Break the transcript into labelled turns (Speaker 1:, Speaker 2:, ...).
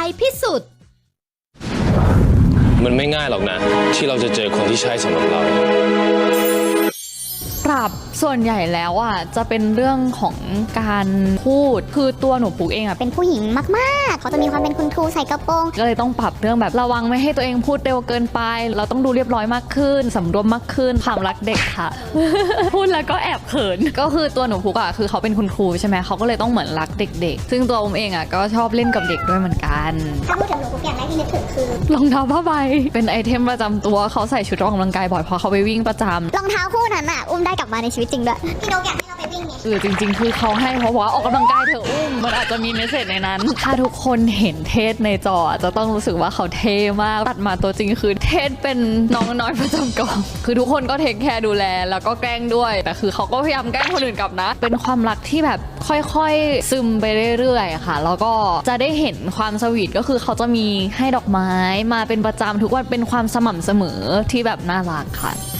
Speaker 1: พิสุทธิ์
Speaker 2: มันไม่ง่ายหรอกนะที่เราจะเจอคนที่ใช่สำหรับเรา
Speaker 3: ปรับส่วนใหญ่แล้วอ่ะจะเป็นเรื่องของการพูดคือตัวหนูปุ๊กเองอ่ะ
Speaker 4: เป็นผู้หญิงมากๆเขาจะมีความเป็นคุณครูใส่กระโปรง
Speaker 3: ก็เลยต้องปรับเรื่องแบบระวังไม่ให้ตัวเองพูดเร็วเกินไปเราต้องดูเรียบร้อยมากขึ้นสำรวมมากขึ้นความรักเด็กค่ะ พูดแล้วก็แอบเขินก็คือตัวหนูปุ๊กอ่ะคือเขาเป็นคุณครูใช่ไหมเขาก็เลยต้องเหมือนรักเด็กๆซึ่งตัวผมเองอ่ะก็ชอบเล่นกับเด็กด้วยเหมือนกัน
Speaker 4: ถ้าพูดถึงหนูปุ๊กอย่างแรกที่นึกถึงคือ
Speaker 3: รองเท้าผ้าใบเป็นไอเทมประจำตัวเขาใส่ชุดออกกำลังกายบ่อยเพราะเขาไปวิ่งประจำ
Speaker 4: รองเท้าคู่นั้นอะอุ้มได้กลับมาในชีวิตจริงด้วยพี่นกอยากให้เราไปวิ่งไง
Speaker 3: จริงๆคือเขาให้เพราะว่าออกกำลังกายเถอะอุ้มมันอาจจะมีเมสเสจในนั้น ถ้าทุกคนเห็นเทศในจอจะต้องรู้สึกว่าเขาเท่มากตัดมาตัวจริงคือเทศเป็นน้องน้อยประจำกองคือทุกคนก็เทคแคร์ดูแลแล้วก็แกล้งด้วยแต่คือเขาก็พยายามแกล้งคนอื่นกลับนะเป็นความรักที่แบบค่อยๆซึมไปเรื่อยๆค่ะแล้วก็จะได้เห็นความสวีทก็คือเขาจะมีให้ดอกไม้มาเป็นประจำทุกวันเป็นความสม่ำเสมอที่แบบน่ารักค่ะ